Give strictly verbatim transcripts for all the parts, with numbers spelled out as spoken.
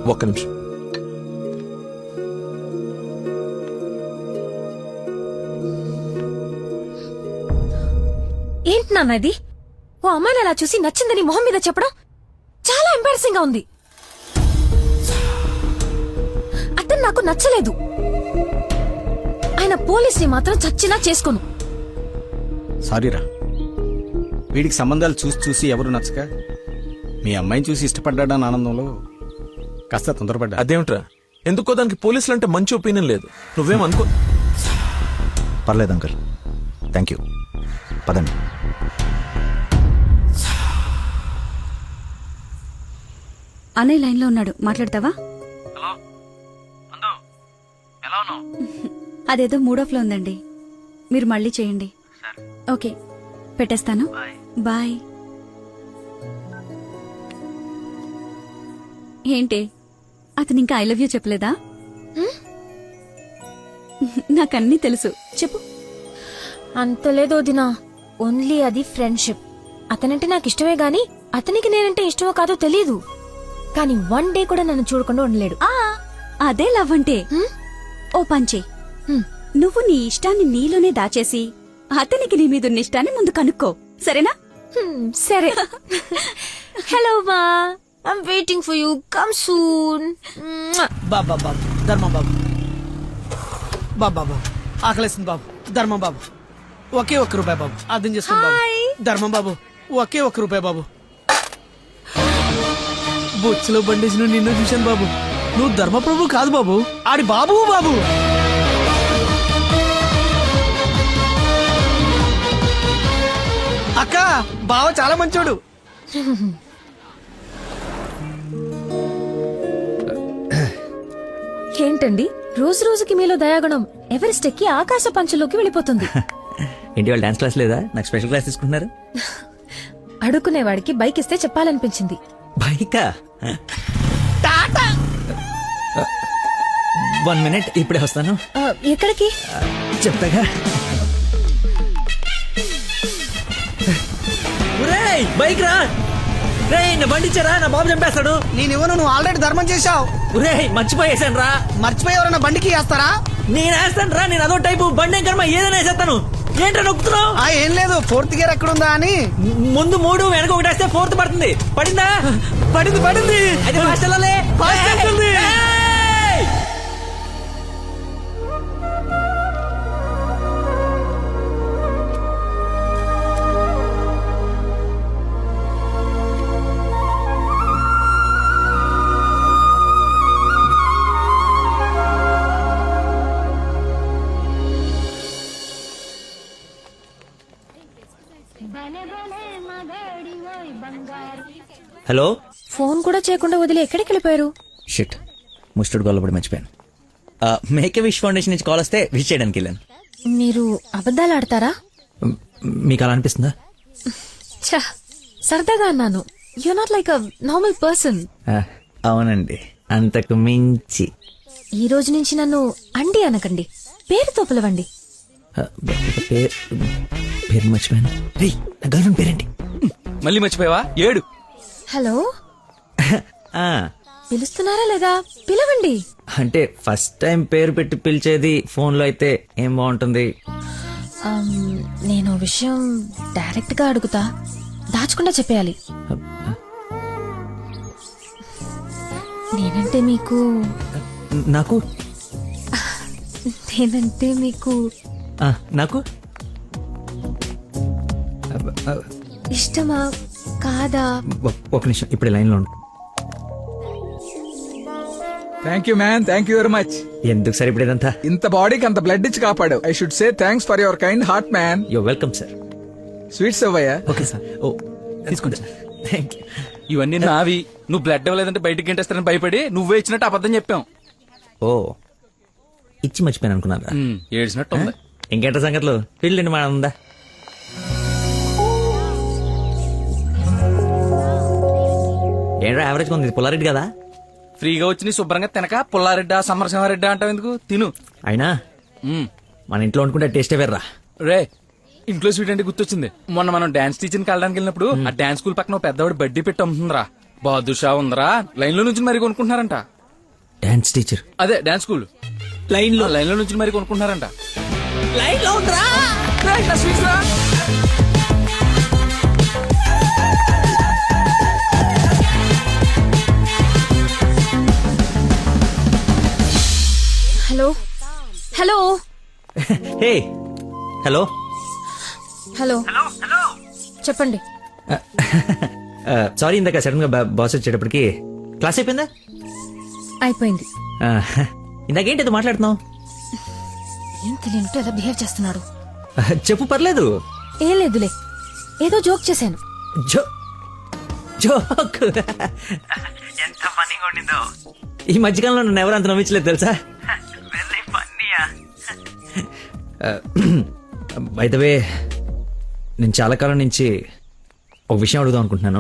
ఒక్క నిమిషం. ఏంటి నాన్న ఇది? ఓ అమ్మాయిని అలా చూసి నచ్చిందని మొహం మీద చెప్పడం చాలా ఎంబారసింగ్ గా ఉంది. అతను నాకు నచ్చలేదు. ఆయన పోలీస్ ని మాత్రం చచ్చినా చేసుకోను. సారీరా, వీడికి సంబంధాలు చూసి చూసి ఎవరు నచ్చక మీ అమ్మాయిని చూసి ఇష్టపడ్డాడని ఆనందంలో కాస్త తొందరపడ్డా. అదేమిట్రా, ఎందుకో దానికి పోలీసులు అంటే మంచి ఒపీనియన్ లేదు. నువ్వేం అనుకో. పర్లేదు అంకుల్, థ్యాంక్ యూ. పదండి. అన్నయ్య లైన్ లో ఉన్నాడు, మాట్లాడతావా? అదేదో మూడ్ ఆఫ్ లో ఉందండి, మీరు మళ్ళీ చేయండి. ఓకే, పెట్టేస్తాను. బాయ్. ఏంటి, అతను ఇంకా ఐ లవ్ యూ చెప్పలేదా? నాకన్నీ తెలుసు, చెప్పు. అంత లేదో దినా, ఓన్లీ అది ఫ్రెండ్షిప్. అతనంటే నాకు ఇష్టమే గాని అతనికి నేనంటే ఇష్టమో కాదో తెలియదు. కానీ వన్ డే కూడా నన్ను చూడకుండా ఉండలేడు. ఆ అదే లవ్ అంటే. ఓ పంచే, నువ్వు నీ ఇష్టాన్ని నీలోనే దాచేసి అతనికి నీ మీదున్న ఇష్టాన్ని ముందు కనుక్కో, సరేనా? సరే. హలో మా, I'm waiting for you, come soon. బాబా బాబు, ధర్మం బాబు. బాబా బాబు, ఆకలేస్తుంది బాబు. ధర్మం బాబు, ఒకే ఒక్క రూపాయి బాబు, అర్థం చేసుకోండి బాబు. ధర్మం బాబు, ఒకే ఒక్క రూపాయి బాబు. బొచ్చులో బండేసిన నిన్ను చూశాను బాబు. నువ్వు ధర్మప్రభు కాదు బాబు, ఆడి బాబు బాబు. అక్క, బావ చాలా మంచోడు. ఏంటండి రోజు రోజుకి మీలో దయాగుణం ఎవరెస్ట్ ఎక్కి ఆకాశ పంచలోకి వెళ్ళిపోతుంది. ఏంటి వాళ్ళు డాన్స్ క్లాస్ లేదా? నాకు స్పెషల్ క్లాస్ తీసుకుంటున్నారు. అడుక్కునేవాడికి బైక్ ఇస్తే చెప్పాలనిపించింది. బైకా? వన్ మినిట్, ఇప్పుడే వస్తాను. ఆ, ఎక్కడికి? చెప్తాగా. బైక్ రా రే, నా బండి ఇచ్చారా, నా బాబు చంపేస్తాడు. నేను ఇవ్వను, నువ్వు ఆల్రెడీ ధర్మం చేశావు. ఒరే మర్చిపోయేసాను రా. మర్చిపోయి ఎవరన్నా బండికి వేస్తారా? నేను వేస్తాను రా, నేను అదో టైపు బండి కర్మ, ఏదైనా వేసేస్తాను. ఏంట్రా నొక్కుతున్నావు? ఆ ఏం లేదు, ఫోర్త్ గేర్ ఎక్కడుందా అని. ముందు మూడు వెనక ఒకటి వేస్తే ఫోర్త్ పడుతుంది. పడిందా? పడింది పడింది. అది ఫాస్ట్ వెళ్ళాలి. ఫాస్ట్ వెళ్తుంది. హలో. ఫోన్ కూడా చేయకుండా వదిలి ఎక్కడికి వెళ్ళిపోయారు? షిట్, ముస్టుడు గొల్లపడి మర్చిపోయాను. మేక్ విష్ ఫౌండేషన్ నుంచి కాల్ వస్తే విష్ చేయడానికి వెళ్ళాను. మీరు అబద్ధాలు ఆడతారా? మ్, మీకు అలా అనిపిస్తుందా? ఛ, సరదాగా అన్నాను. You not like a normal person. ఆ, అవునండి, అంతకు మించి. ఈ రోజు నుంచి నన్ను అండి అనకండి, పేరుతో పిలవండి. ఆ, పేరు పేరు మర్చిపోయాను. రే, నా గర్ల్ ఫ్రెండ్ పేరేంటి? మళ్ళీ మర్చిపోయావా? ఏడు. హలో, ఆ, పిలుస్తున్నారా లేదా? పిలవండి. అంటే ఫస్ట్ టైం పేరు పెట్టి పిలిచేది ఫోన్ లో అయితే ఏం బాగుంటుంది? ఆమ్, నేను ఓ విషయం డైరెక్ట్ గా అడుగుతా, దాచకుండా చెప్పేయాలి. నేనంటే మీకు నాకు నేనంటే మీకు ఆ, నాకు ఇష్టమా కాదా? ఒ- ఒక నిమిషం, ఇప్పుడు లైన్ లో ఉండు. Thank you man, thank you very much. ఎందుకు సార్ ఇప్పుడు ఇదంతా? ఇంత బాడీకి అంత బ్లడ్ ఇచ్చి కాపాడు. I should say thanks for your kind heart man. Yo welcome sir. Sweets అవ్వయ్యా. Okay sir. ఓ తీసుకోండి సార్. Thank you. ఇవన్నీ నావి. నువ్వు బ్లడ్ ఇవ్వలేదంటే బయటికి గంటేస్తారని భయపడి నువ్వే ఇచ్చినట్టు అబద్ధం చెప్పాం. ఓ ఇచ్చి మర్చిపోయాను అనుకున్నారా? ఉమ్, ఏడ్చినట్టు ఉంది. ఇంకేంట సంగతులు? ఫీల్డ్ మా ఉందా? ఏంట్రా యావరేజ్ ఉంది, పుల్లారెడ్డి కదా? ఫ్రీగా వచ్చి నీ శుభ్రంగా తినక పుల్లారెడ్డా సమరసింహారెడ్డా అంటావు ఎందుకు? తిను. అయినా ఉమ్. మన ఇంట్లో అనుకుంటే టేస్టే వేర్రా. రే, ఇంట్లో స్వీట్ అంటే గుర్తొచ్చింది. మొన్న మనం డాన్స్ టీచర్కి వెళ్ళడానికి వెళ్ళినప్పుడు ఆ డాన్స్ స్కూల్ పక్కన ఓ పెద్దవాడు బడ్డీ పెట్టి అమ్ముతుందిరా. బాదుషా ఉందరా, లైన్ లో నుంచి మరి కొనుక్కుంటున్నారంట. Dance teacher. అదే డాన్స్ స్కూల్ లైన్ లో లైన్ లో నుంచి మరి కొనుక్కుంటున్నారంట. లైన్ లో ఉండరా hello hello hey hello. Hello చెప్పండి. సారీ ఇందాక సడన్ గా బాస్ వచ్చేటప్పటికి క్లాస్ అయిపోయిందా? అయిపోయింది. Uh, ఇందాకేంటి అది మాట్లాడుతున్నావు? ఏం తెలియనట్టు ఎలా బిహేవ్ చేస్తున్నాడు. Uh, చెప్పు పర్లేదు. ఏం లేదులే, ఏదో జోక్ చేశాను. జో జోక్ ఎంత ఫన్నీగా ఉండిందో. ఈ మధ్యకాలంలో నన్ను ఎవరు అంత నమ్మించలేదు తెలుసా. బై ద వే, నేను చాలా కాలం నుంచి ఒక విషయం అడుగుదాం అనుకుంటున్నాను.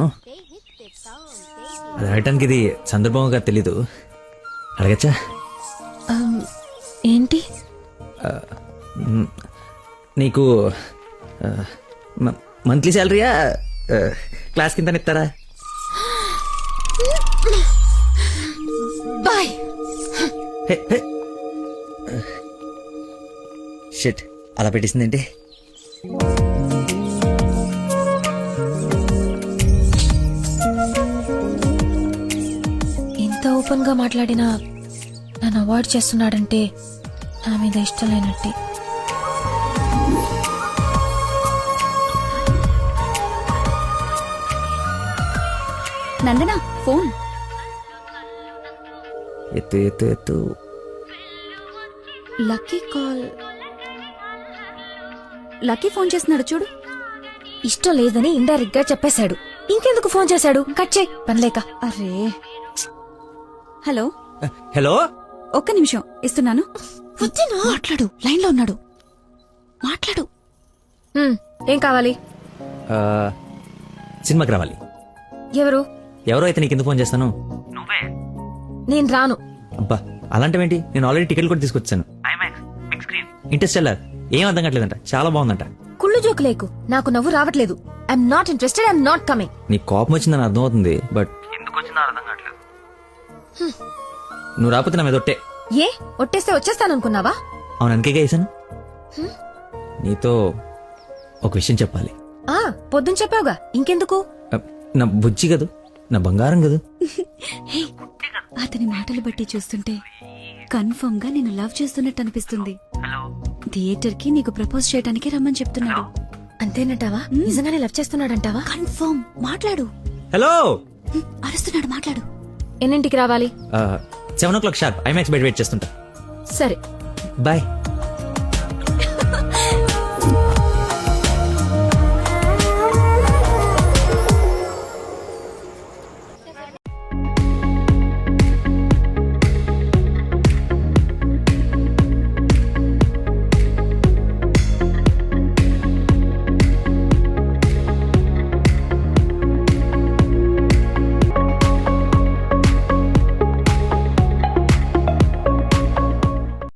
అది అడగటానికి ఇది సందర్భంగా తెలీదు. అడగచ్చా? Um, ఏంటి? నీకు మంత్లీ శాలరీయా క్లాస్ కింద ఇస్తారా? బాయ్. షిట్, అలా పెట్టేసిందేంటి? ఇంత ఓపెన్ గా మాట్లాడినా నన్ను అవాయిడ్ చేస్తున్నాడంటే నా మీద ఇష్టం లేనట్టే. నందన ఫోన్. ఎత్తు ఎత్తు ఎత్తు. Lucky call. లక్కీ ఫోన్ చేస్తున్నాడు చూడు. ఇష్టం లేదని ఇండైరెక్ట్ గా చెప్పేశాడు. ఇంకెందుకు ఫోన్ చేశాడు? కట్ చేయి, పనిలేక. అరే హలో హలో, ఒక్క నిమిషం ఇస్తున్నాను. మాట్లాడు, లైన్ లో ఉన్నాడు. మాట్లాడు. హ్మ్, ఏం కావాలి? సినిమాకి రావాలి. ఎవరు? ఎవరో అయితే నీకు ఎందుకు ఫోన్ చేస్తాను? నేను రాను. అబ్బా అలాంటివేంటి, నేను ఆల్రెడీ టికెట్ కూడా తీసుకొచ్చాను. ఇంట్రెస్ట్ వెళ్ళారు. ఏం అర్థం కావట్లేదంట, చాలా బాగుందంట. కుళ్ళు జోకు లేకు, నాకు నవ్వు రావట్లేదు. I'm not interested, I'm not coming. నీ కోపం వచ్చిందని అర్థం అవుతుంది, బట్ ఎందుకు వచ్చిందో అర్థం కావట్లేదు. నువ్వు రాకపోతే నా మీద ఒట్టే. ఏ ఒట్టేస్తే వచ్చేస్తాననుకున్నావా? అవును, అందుకే వేసాను. నీతో ఒక విషయం చెప్పాలి. ఆ పొద్దున చెప్పావుగా, ఇంకెందుకు? అ, నా బుజ్జి కదూ, నా బంగారం కదూ. హే, అతని మాటలు బట్టి చూస్తుంటే కన్ఫర్మ్ గా నేను లవ్ చేస్తున్నట్టు అనిపిస్తుంది. థియేటర్ కి నీకు ప్రపోజ్ చేయడానికి రమ్మని చెప్తున్నాడు. అంతేనంటావా? నిజంగానే లవ్ చేస్తున్నాడంటావా? కన్ఫర్మ్. మాట్లాడు. హలో, హ్మ్, అరుస్తున్నాడు, మాట్లాడు. ఎన్నింటికి రావాలి? Seven o'clock sharp IMAX బయట వెయిట్ చేస్తుంటా. సరే బాయ్.